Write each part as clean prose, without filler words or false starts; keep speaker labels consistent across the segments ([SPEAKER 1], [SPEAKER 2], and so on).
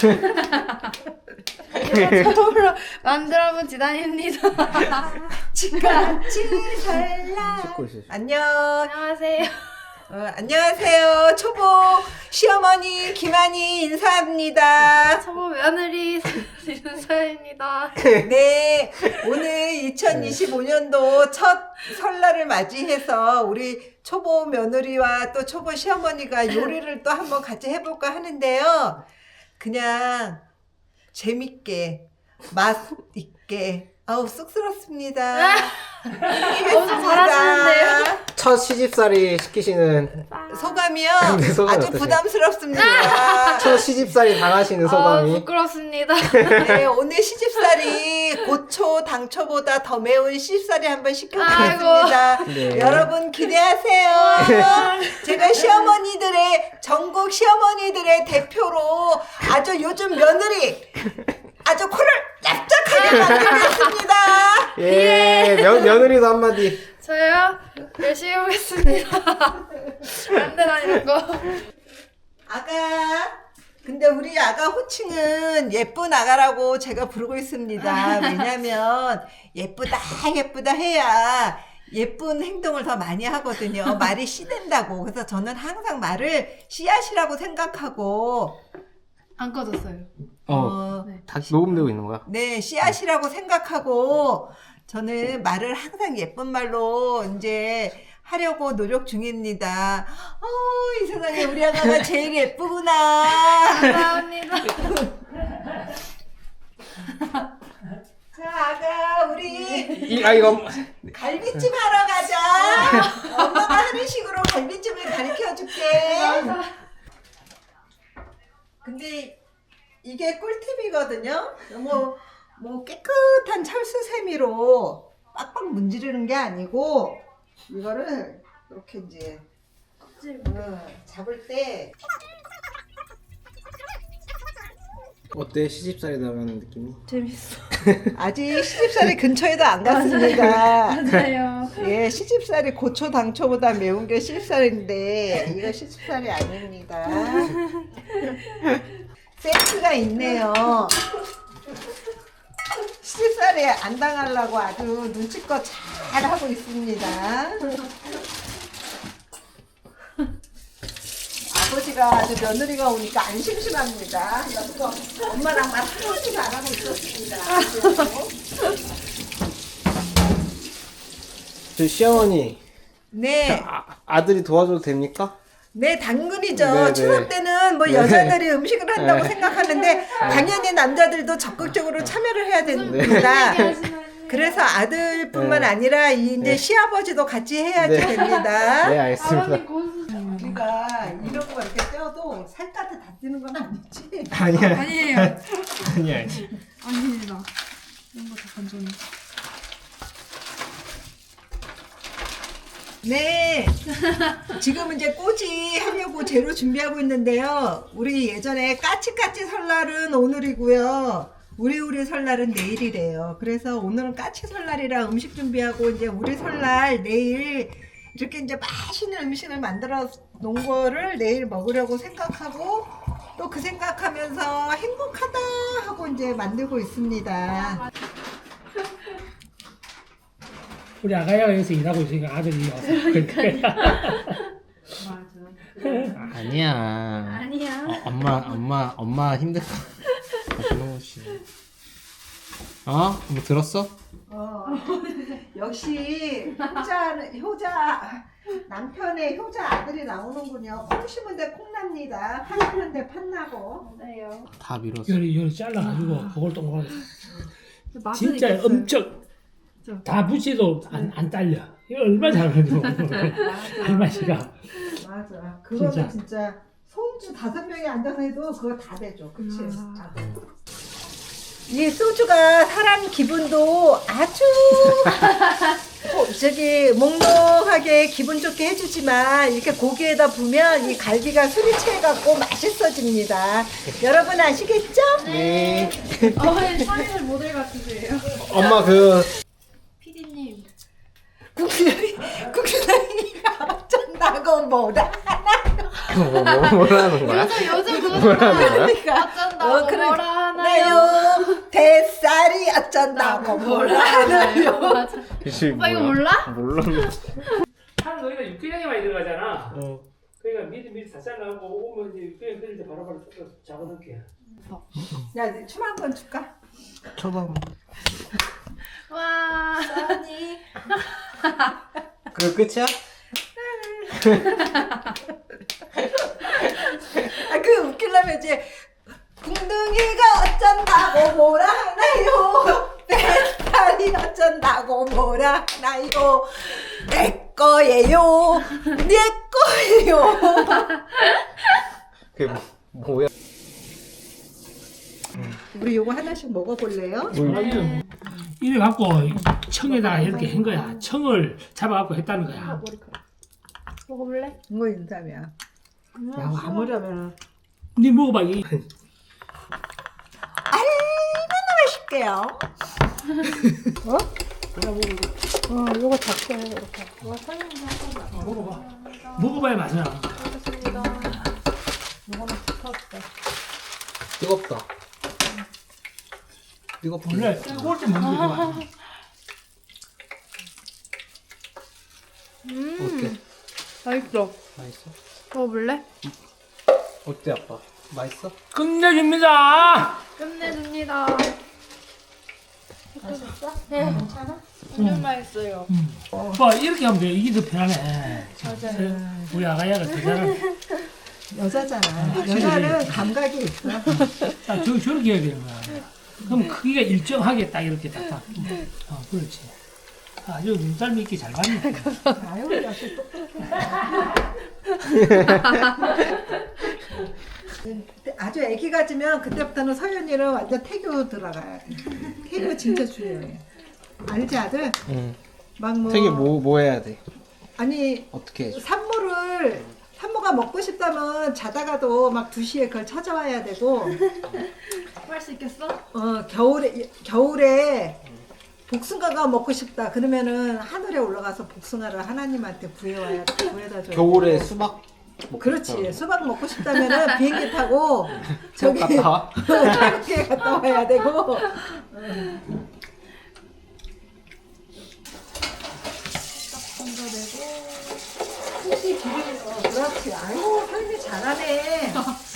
[SPEAKER 1] 처음으로 만들어본 지단입니다.
[SPEAKER 2] 같이 살라.
[SPEAKER 3] 찍고 있어요.
[SPEAKER 2] 안녕.
[SPEAKER 1] 안녕하세요.
[SPEAKER 2] 안녕하세요. 초보 시어머니 김한희 인사합니다.
[SPEAKER 1] 초보 며느리 윤서연입니다.
[SPEAKER 2] 네, 오늘 2025년도 첫 설날을 맞이해서 우리 초보 며느리와 또 초보 시어머니가 요리를 또 한번 같이 해볼까 하는데요. 그냥 재밌게 맛있게 쑥스럽습니다.
[SPEAKER 1] 엄청 잘하시는데요?
[SPEAKER 3] 첫 시집살이 시키시는
[SPEAKER 2] 소감이요?
[SPEAKER 3] 네, 소감이
[SPEAKER 2] 아주
[SPEAKER 3] 어떠세요?
[SPEAKER 2] 부담스럽습니다.
[SPEAKER 3] 첫 시집살이 당하시는 소감이
[SPEAKER 1] 부끄럽습니다.
[SPEAKER 2] 네, 오늘 시집살이 고초, 당초보다 더 매운 시집살이 한번 시켜보겠습니다.
[SPEAKER 3] 네.
[SPEAKER 2] 여러분 기대하세요. 제가 시어머니들의, 전국 시어머니들의 대표로 아주 요즘 며느리 아주 코를 납작하게 만들겠습니다.
[SPEAKER 3] 예, 며느리도 한마디.
[SPEAKER 1] 저요? 열심히 해보겠습니다. 안 되라는 거.
[SPEAKER 2] 아가. 근데 우리 아가 호칭은 예쁜 아가라고 제가 부르고 있습니다. 왜냐면 예쁘다 예쁘다 해야 예쁜 행동을 더 많이 하거든요. 말이 씨된다고. 그래서 저는 항상 말을 씨앗이라고 생각하고
[SPEAKER 1] 안 꺼졌어요. 네.
[SPEAKER 3] 다 녹음되고 있는 거야?
[SPEAKER 2] 네, 씨앗이라고 생각하고 저는 말을 항상 예쁜 말로 이제 하려고 노력 중입니다. 이 세상에 우리 아가가 제일 예쁘구나.
[SPEAKER 1] 감사합니다.
[SPEAKER 2] 자, 아가 우리
[SPEAKER 3] 이거
[SPEAKER 2] 갈비찜 하러 가자. 엄마가 하는 식으로 갈비찜을 가르쳐 줄게. 근데 이게 꿀팁이거든요. 뭐 깨끗한 철수세미로 빡빡 문지르는 게 아니고 이거를 이렇게 이제 잡을 때
[SPEAKER 3] 어때? 시집살이 당하는 느낌이?
[SPEAKER 1] 재밌어.
[SPEAKER 2] 아직 시집살이 근처에도 안 갔습니다.
[SPEAKER 1] 맞아요.
[SPEAKER 2] 예, 시집살이 고초 당초보다 매운 게 시집살인데 이거 시집살이 아닙니다. 센스가 있네요. 시집살이 안 당하려고 아주 눈치껏 잘 하고 있습니다. 아버지가 아주 며느리가 오니까 안 심심합니다. 여기서 엄마랑 말 한마디도 안 하고 있었습니다.
[SPEAKER 3] 저 시어머니
[SPEAKER 2] 네.
[SPEAKER 3] 아들이 도와줘도 됩니까?
[SPEAKER 2] 네, 당근이죠.
[SPEAKER 3] 네네.
[SPEAKER 2] 추석 때는 뭐
[SPEAKER 3] 네.
[SPEAKER 2] 여자들이 음식을 한다고
[SPEAKER 3] 네.
[SPEAKER 2] 생각하는데 당연히 남자들도 적극적으로 참여를 해야 됩니다. 그래서 아들뿐만
[SPEAKER 3] 네.
[SPEAKER 2] 아니라 이제
[SPEAKER 3] 네.
[SPEAKER 2] 시아버지도 같이 해야지
[SPEAKER 3] 네.
[SPEAKER 2] 됩니다.
[SPEAKER 3] 네, 알겠습니다.
[SPEAKER 1] 아버님 고수.
[SPEAKER 2] 우리가 이런 거 이렇게 떼어도 살갗에 다 띄는 건 아니지.
[SPEAKER 3] 아니야.
[SPEAKER 1] 아니에요.
[SPEAKER 3] 아니야.
[SPEAKER 1] 아닙니다. 이런 거다 건조해.
[SPEAKER 2] 네. 지금 이제 꼬지 하려고 재료 준비하고 있는데요. 우리 예전에 까치까치 설날은 오늘이고요. 우리 설날은 내일이래요. 그래서 오늘은 까치 설날이라 음식 준비하고 이제 우리 설날 내일 이렇게 이제 맛있는 음식을 만들어 놓은 거를 내일 먹으려고 생각하고 또 그 생각하면서 행복하다 하고 이제 만들고 있습니다.
[SPEAKER 4] 우리 아가야가 여기서 일하고 있으니까 아들이 와서 아니야.
[SPEAKER 1] 아니야.
[SPEAKER 3] 엄마 힘들어. 뭐 들었어?
[SPEAKER 2] 역시 효자 남편의 효자 아들이 나오는군요. 콩 심은데 콩 납니다. 팥 심은데 팥 나고.
[SPEAKER 1] 맞아요.
[SPEAKER 3] 다 밀었어.
[SPEAKER 4] 열이 잘라가지고 그걸 동그랗게
[SPEAKER 1] 맛은
[SPEAKER 4] 진짜
[SPEAKER 1] 있겠어요.
[SPEAKER 4] 엄청
[SPEAKER 1] 그쵸.
[SPEAKER 4] 다 붙이도 안 딸려. 이거 얼마나 잘하는지 할머니가.
[SPEAKER 2] 맞아. 그거는
[SPEAKER 4] 진짜.
[SPEAKER 2] 진짜 손주 5명이 앉아서 해도 그거 다 되죠. 그치? 이 소주가 사람 기분도 아주 몽롱하게 기분 좋게 해주지만 이렇게 고기에다 부면 이 갈비가 술이 채갖고 맛있어집니다. 여러분 아시겠죠?
[SPEAKER 3] 네.
[SPEAKER 1] 사진을 모델 같으세요.
[SPEAKER 3] 엄마
[SPEAKER 1] 피디님.
[SPEAKER 2] 국수랑이가 어쩐다. 어쩐다고 뭐라.
[SPEAKER 3] 뭐라는 거야?
[SPEAKER 1] 요즘 그거잖아.
[SPEAKER 2] 그러니까
[SPEAKER 1] 어쩐다고
[SPEAKER 2] 그래.
[SPEAKER 1] 뭐라 하나요?
[SPEAKER 2] 나요 뱃살이 어쩐다고 뭐라 하나요.
[SPEAKER 1] 맞아.
[SPEAKER 3] 그치,
[SPEAKER 1] 오빠 이거
[SPEAKER 3] 뭐야?
[SPEAKER 1] 몰라?
[SPEAKER 3] 몰라.
[SPEAKER 4] 한 거기다 육개장이 많이 들어가잖아.
[SPEAKER 3] 어.
[SPEAKER 4] 그러니까 미리 다 잘라고 오면 이제 육개장 끓일 때 바로바로 섞어서 잡아놓을게.
[SPEAKER 2] 야, 춤 한 번 줄까?
[SPEAKER 3] 쳐봐.
[SPEAKER 1] 와.
[SPEAKER 2] 아니.
[SPEAKER 3] 그거 끝이야?
[SPEAKER 2] 그 웃기려면 이제 궁둥이가 어쩐다고 뭐라 하나요? 뱃살이 어쩐다고 뭐라 하나요? 내 거예요. 내 거예요.
[SPEAKER 3] 그게 뭐야?
[SPEAKER 2] 우리 요거 하나씩 먹어볼래요?
[SPEAKER 4] 아니 이래 갖고 청에다가 이렇게 한 거야. 청을 잡아갖고 했다는 거야.
[SPEAKER 1] 먹어볼래?
[SPEAKER 2] 이거 인삼이야. 야, 아무려면
[SPEAKER 4] 네 먹어봐 이.
[SPEAKER 2] 맛있게요. 요거 작게 해, 이렇게.
[SPEAKER 4] 먹어봐. 먹어봐야 맛이야.
[SPEAKER 2] 요거는 붙었대.
[SPEAKER 3] 뜨겁다. 뜨겁다.
[SPEAKER 4] 원래 뜨거울 때 먹는 게 좋아.
[SPEAKER 3] 어때?
[SPEAKER 1] 맛있어.
[SPEAKER 3] 맛있어?
[SPEAKER 1] 먹어볼래?
[SPEAKER 3] 어때 아빠? 맛있어?
[SPEAKER 4] 끝내줍니다.
[SPEAKER 1] 끝내줍니다. 맛있어? 네, 괜찮아? 완전 맛있어요.
[SPEAKER 4] 봐 이렇게 하면 돼. 이게 더 편하네.
[SPEAKER 1] 맞아요.
[SPEAKER 4] 우리 아가야가 더 잘하네.
[SPEAKER 2] 여자잖아. 여자는 감각이 있어.
[SPEAKER 4] 딱 저렇게 해야 되는 거야. 그럼 크기가 일정하게 딱 이렇게 딱딱. 그렇지. 아주 눈썰미 있게 잘 봤네.
[SPEAKER 2] 아유, 역시 똑똑해. 아주 애기 가지면 그때부터는 서연이는 완전 태교 들어가야 돼. 태교 진짜 중요해. 알지 아들?
[SPEAKER 3] 응.
[SPEAKER 2] 막 뭐.
[SPEAKER 3] 되게 뭐 해야 돼?
[SPEAKER 2] 아니
[SPEAKER 3] 어떻게 해줘?
[SPEAKER 2] 산모가 먹고 싶다면 자다가도 막 2시에 그걸 찾아와야 되고
[SPEAKER 1] 할 수 있겠어?
[SPEAKER 2] 겨울에 복숭아가 먹고 싶다 그러면은 하늘에 올라가서 복숭아를 하나님한테 구해다 줘야
[SPEAKER 3] 겨울에
[SPEAKER 2] 되고.
[SPEAKER 3] 수박
[SPEAKER 2] 그렇지 수박 먹고 싶다면은 비행기 타고 저기
[SPEAKER 3] 갔다 와?
[SPEAKER 2] 타르키에 갔다 와야 되고 혹시 기름이 그렇지 아유 설미 잘하네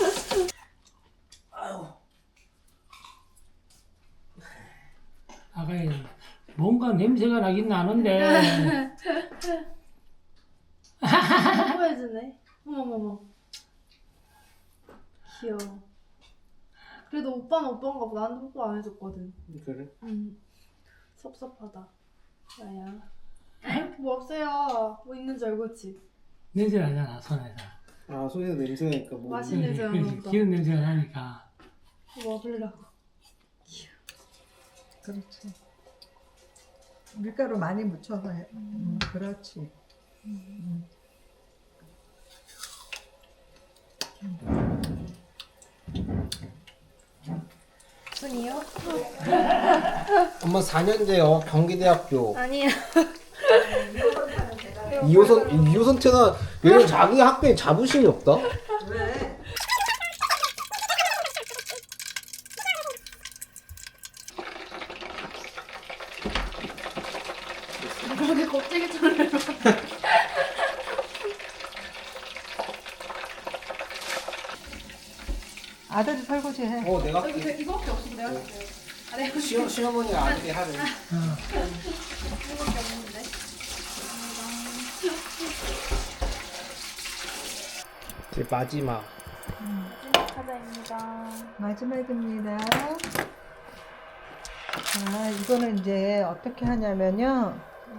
[SPEAKER 4] 아가야 뭔가 냄새가 나긴 나는데.
[SPEAKER 1] 보여주네. 어머머머. 귀여워. 그래도 오빠는 오빠인가 보다. 나한테 뽀뽀 안 해줬거든.
[SPEAKER 3] 그래?
[SPEAKER 1] 섭섭하다. 야야. 뭐 없어요. 뭐 있는 줄 알고 있지?
[SPEAKER 4] 냄새 나잖아 손에서.
[SPEAKER 3] 아 손에서 냄새 나니까 뭐
[SPEAKER 1] 맛있는 냄새 나나 보다.
[SPEAKER 4] 기름 냄새가 나니까.
[SPEAKER 1] 뭐 먹으려고.
[SPEAKER 2] 그렇지 밀가루 많이 묻혀서 해 그렇지
[SPEAKER 1] 순이요?
[SPEAKER 3] 엄마 4년제요 경기대학교
[SPEAKER 1] 아니야.
[SPEAKER 3] 2호선 태나 얘는 자기 학교에 자부심이 없다?
[SPEAKER 2] 왜?
[SPEAKER 1] 그렇게 껍데기처럼.
[SPEAKER 2] 아들이 설거지 해
[SPEAKER 3] 내가
[SPEAKER 1] 여기 이거밖에 없어. 내가 할게요. 아, 내가
[SPEAKER 3] 시어머니가 아들이 하래
[SPEAKER 1] 이거밖에 없는데.
[SPEAKER 3] 이제 마지막
[SPEAKER 1] 카드입니다.
[SPEAKER 2] 마지막입니다 자 이거는 이제 어떻게 하냐면요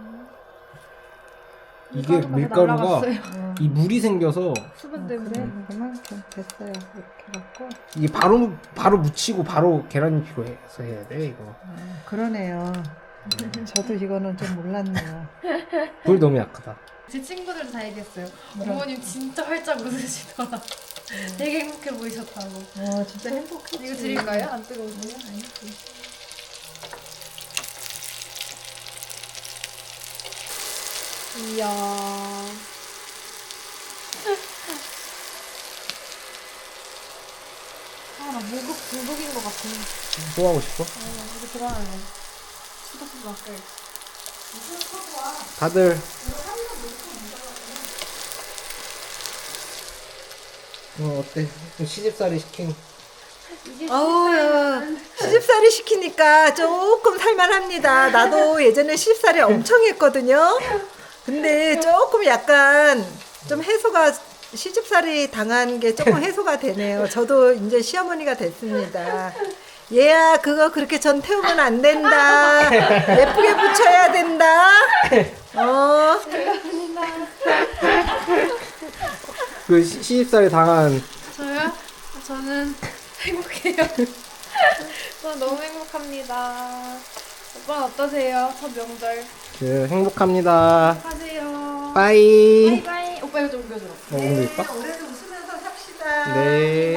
[SPEAKER 3] 이게 밀가루가
[SPEAKER 1] 날아갔어요.
[SPEAKER 3] 이 물이 생겨서
[SPEAKER 1] 수분 때문에.
[SPEAKER 2] 그래 그만큼 됐어요 이렇게 갖고
[SPEAKER 3] 이게 바로 묻히고 바로 계란잎이고 해서 해야 돼 이거
[SPEAKER 2] 그러네요 저도 이거는 좀 몰랐네요
[SPEAKER 3] 불 너무 약하다
[SPEAKER 1] 제 친구들도 다 얘기했어요. 부모님 진짜 활짝 웃으시더라. 되게 행복해 보이셨다고.
[SPEAKER 2] 진짜 행복했지
[SPEAKER 1] 이거 드릴까요? 안 뜨거우세요? 이야. 중독인 것 같아.
[SPEAKER 3] 또 하고 싶어?
[SPEAKER 1] 이거 들어가네. 수도수 밖에.
[SPEAKER 3] 다들 어때? 시집살이 시킨
[SPEAKER 2] 어우, 시집살이 시키니까 조금 살만합니다. 나도 예전에 시집살이 엄청 했거든요. 근데 조금 약간 좀 해소가 시집살이 당한 게 조금 해소가 되네요. 저도 이제 시어머니가 됐습니다. 얘야 그거 그렇게 전 태우면 안 된다. 예쁘게 붙여야 된다.
[SPEAKER 3] 그 시집살이 당한
[SPEAKER 1] 저요? 저는 행복해요. 저는 너무 행복합니다. 오빠는 어떠세요? 첫 명절.
[SPEAKER 3] 그 행복합니다.
[SPEAKER 1] 하세요.
[SPEAKER 3] 빠이.
[SPEAKER 1] 바이바이. 오빠 이거 좀 옮겨줘.
[SPEAKER 3] 오늘 이뻐?
[SPEAKER 2] 올해도 웃으면서 삽시다.
[SPEAKER 3] 네.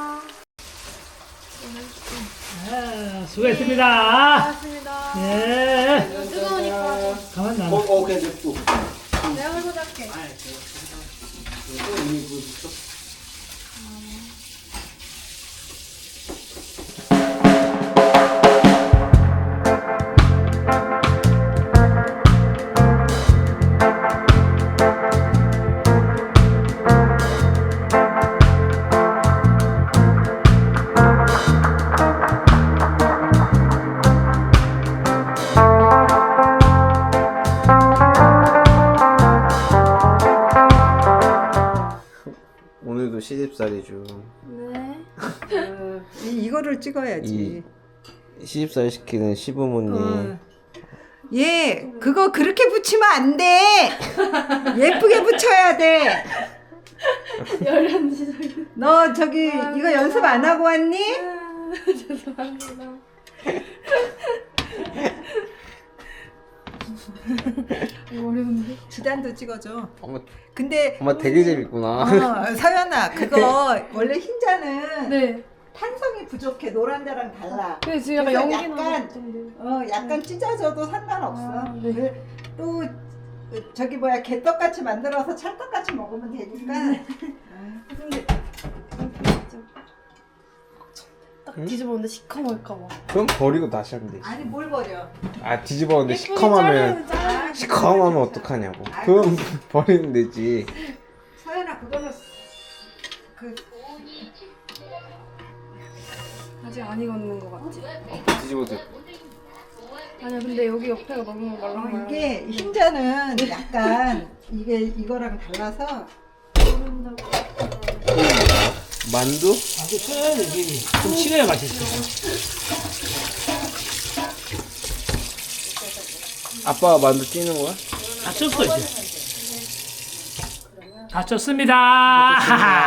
[SPEAKER 4] 수고했습니다.
[SPEAKER 1] 고맙습니다.
[SPEAKER 4] 예.
[SPEAKER 1] 이거 뜨거우니까
[SPEAKER 4] 가만 놔.
[SPEAKER 3] 그냥 냅둬.
[SPEAKER 1] 내가 설거지 할게.
[SPEAKER 3] 오늘도 시집살이죠.
[SPEAKER 1] 네.
[SPEAKER 2] 이거를 찍어야지.
[SPEAKER 3] 시집살 시키는 시부모님.
[SPEAKER 2] 얘 그거 그렇게 붙이면 안 돼. 예쁘게 붙여야 돼.
[SPEAKER 1] 열연지 소리.
[SPEAKER 2] 너 저기 이거 연습 안 하고 왔니?
[SPEAKER 1] 죄송합니다. 이거 어려운데?
[SPEAKER 2] 지단도 찍어줘.
[SPEAKER 3] 엄마,
[SPEAKER 2] 근데
[SPEAKER 3] 엄마 되게 재밌구나.
[SPEAKER 2] 서연아 그거 원래 흰자는
[SPEAKER 1] 네.
[SPEAKER 2] 탄성이 부족해. 노란자랑 달라.
[SPEAKER 1] 근데 지금 약간
[SPEAKER 2] 그래서
[SPEAKER 1] 연기
[SPEAKER 2] 약간,
[SPEAKER 1] 나는데.
[SPEAKER 2] 약간 찢어져도 상관없어.
[SPEAKER 1] 아, 네.
[SPEAKER 2] 또 저기 뭐야 개떡같이 만들어서 찰떡같이 먹으면 되니까.
[SPEAKER 1] 근데 딱 뒤집었는데 시커멀까봐.
[SPEAKER 3] 그럼 버리고 다시 하면 되지.
[SPEAKER 2] 아니 뭘 버려.
[SPEAKER 3] 아 뒤집었는데 시커하면 시커하면 어떡하냐고. 그럼 버리면 되지.
[SPEAKER 2] 서연아 그거는 그
[SPEAKER 1] 아직 안 익었는 것 같지?
[SPEAKER 3] 뒤집어도
[SPEAKER 1] 아니야 근데 여기 옆에가 너무 말랑말랑.
[SPEAKER 2] 이게 흰자는 약간 이게 이거랑 달라서
[SPEAKER 3] 만두?
[SPEAKER 4] 아주 쳐야 되지. 좀 식어야 맛있어.
[SPEAKER 3] 아빠가 만두 찌는 거야?
[SPEAKER 4] 다 쪘어 이제. 다 쪘습니다.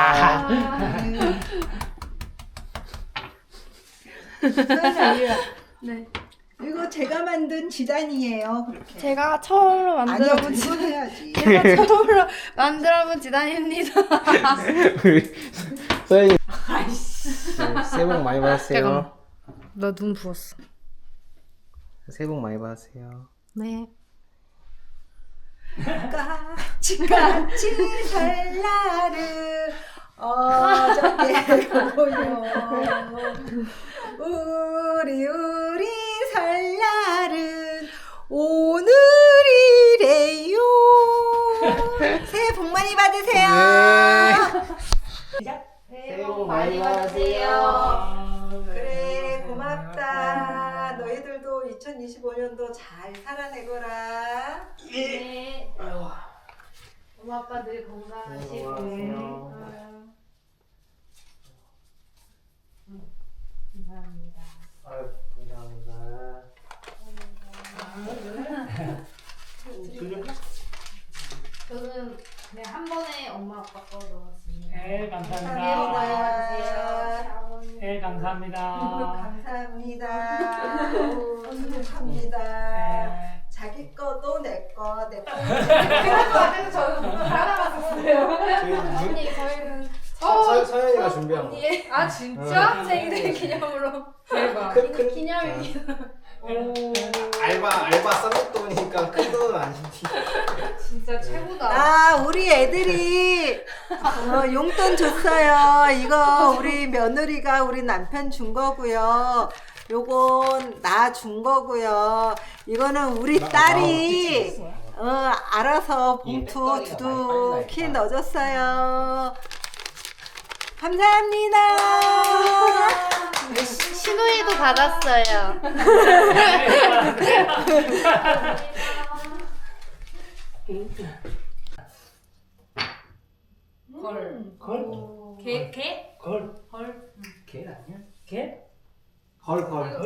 [SPEAKER 2] 서연아
[SPEAKER 1] 네.
[SPEAKER 2] 이거 제가 만든 지단이에요. 그렇게.
[SPEAKER 1] 제가 처음으로
[SPEAKER 2] 아니야
[SPEAKER 1] 만들어본
[SPEAKER 2] 이거 해야지.
[SPEAKER 1] 제가 처음으로 만들어본 지단입니다.
[SPEAKER 3] 우리 서연이 새해 복 많이 받으세요.
[SPEAKER 1] 잠깐만. 나 눈 부었어.
[SPEAKER 3] 새해 복 많이 받으세요.
[SPEAKER 1] 네.
[SPEAKER 2] 까치까치 설날은 어저께 보여 우리 설날은 오늘이래요. 새해 복 많이 받으세요.
[SPEAKER 3] 새해 복 많이 받으세요.
[SPEAKER 2] 그래 고맙다. 너희들도 2025년도 잘 살아내거라.
[SPEAKER 1] 네. 엄마 아빠 늘 건강하시고. 감사합니다.
[SPEAKER 3] 아유, 감사합니다.
[SPEAKER 1] 저는 그냥 한 번에 엄마 아빠 거 넣었습니다.
[SPEAKER 4] 네, 감사합니다.
[SPEAKER 2] 감사합니다.
[SPEAKER 4] 네, 감사합니다.
[SPEAKER 2] 감사합니다. 수고합니다.
[SPEAKER 4] 네.
[SPEAKER 2] 자기 거도 내 거, 내 거.
[SPEAKER 1] 그래서 저는 살아갔었어요. 언니 저희는
[SPEAKER 3] 서연이가 준비한 거.
[SPEAKER 1] 아 진짜? 생일 기념으로 대박. 기념일이다.
[SPEAKER 3] 알바 쌍돈이니까 큰 돈은 아니지.
[SPEAKER 1] 진짜 최고다.
[SPEAKER 2] 아, 우리 애들이 용돈 줬어요. 이거 우리 며느리가 우리 남편 준 거고요. 요건 나 준 거고요. 이거는 우리 딸이 알아서 봉투 두둑히 넣어줬어요. 감사합니다.
[SPEAKER 1] 신우이도 받았어요. 개?
[SPEAKER 4] 개 아니야? 개?
[SPEAKER 3] 걸.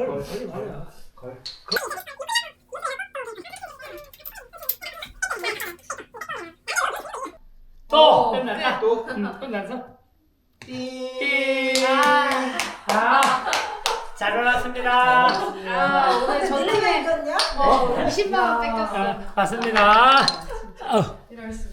[SPEAKER 4] 또!
[SPEAKER 1] 오,
[SPEAKER 4] 끝났다.
[SPEAKER 3] 또?
[SPEAKER 4] 끝났어?
[SPEAKER 3] 띠.
[SPEAKER 4] 잘 놀았습니다.
[SPEAKER 1] 아, 오늘 저녁에
[SPEAKER 2] 이건요?
[SPEAKER 1] 20만 원 뺏겼어.
[SPEAKER 4] 맞습니다.
[SPEAKER 1] 이럴 수가.